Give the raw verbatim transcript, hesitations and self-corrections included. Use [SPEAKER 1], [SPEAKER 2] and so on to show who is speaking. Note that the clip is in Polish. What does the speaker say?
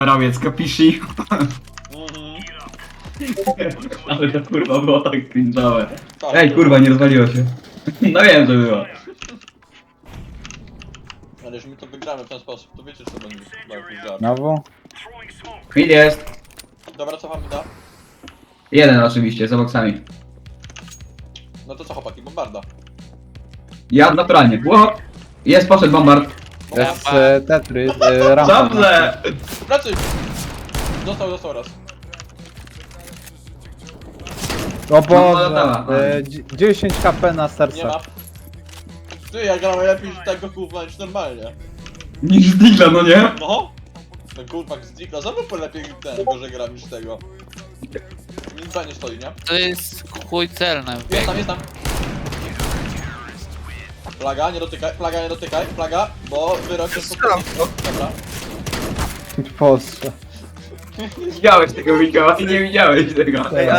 [SPEAKER 1] Ramiec, kapishi?
[SPEAKER 2] Mhm.
[SPEAKER 1] Ale to kurwa było tak cringe'owe.
[SPEAKER 2] Tak,
[SPEAKER 1] Ej
[SPEAKER 2] było.
[SPEAKER 1] kurwa, nie rozwaliło się. No wiem, że było.
[SPEAKER 2] Ale jeśli my to wygramy w ten sposób, to wiecie co będzie chyba jakiś żart.
[SPEAKER 3] Znowu?
[SPEAKER 1] Mid jest.
[SPEAKER 2] Dobra, cofam da.
[SPEAKER 1] Jeden oczywiście, za boksami.
[SPEAKER 2] No to co chłopaki, bombarda.
[SPEAKER 1] Ja naturalnie. Ło! Jest, poszedł bombard.
[SPEAKER 3] Jest e, Tetris, e, rampa.
[SPEAKER 1] Dobrze!
[SPEAKER 2] Pracy! Dostał, dostał raz.
[SPEAKER 3] O Boże,
[SPEAKER 1] latała.
[SPEAKER 3] e, dzie- dziesięć HP na
[SPEAKER 2] Nie ma.
[SPEAKER 3] serca.
[SPEAKER 2] Ty, ja gram lepiej z tego kurwa niż normalnie.
[SPEAKER 1] Niż z Digla, no nie?
[SPEAKER 2] No! Ten kurwa z Digla znowu lepiej ten, gorzej gram niż tego. Minuta nie stoi, nie?
[SPEAKER 4] To jest chuj celny.
[SPEAKER 2] Jest tam, jest tam. Plaga, nie dotykaj, plaga, nie dotykaj, plaga, bo wyrok jest pod... Dobra.
[SPEAKER 3] Boże.
[SPEAKER 1] Nie widziałeś tego Mikoła, ty nie widziałeś tego.
[SPEAKER 3] Ej,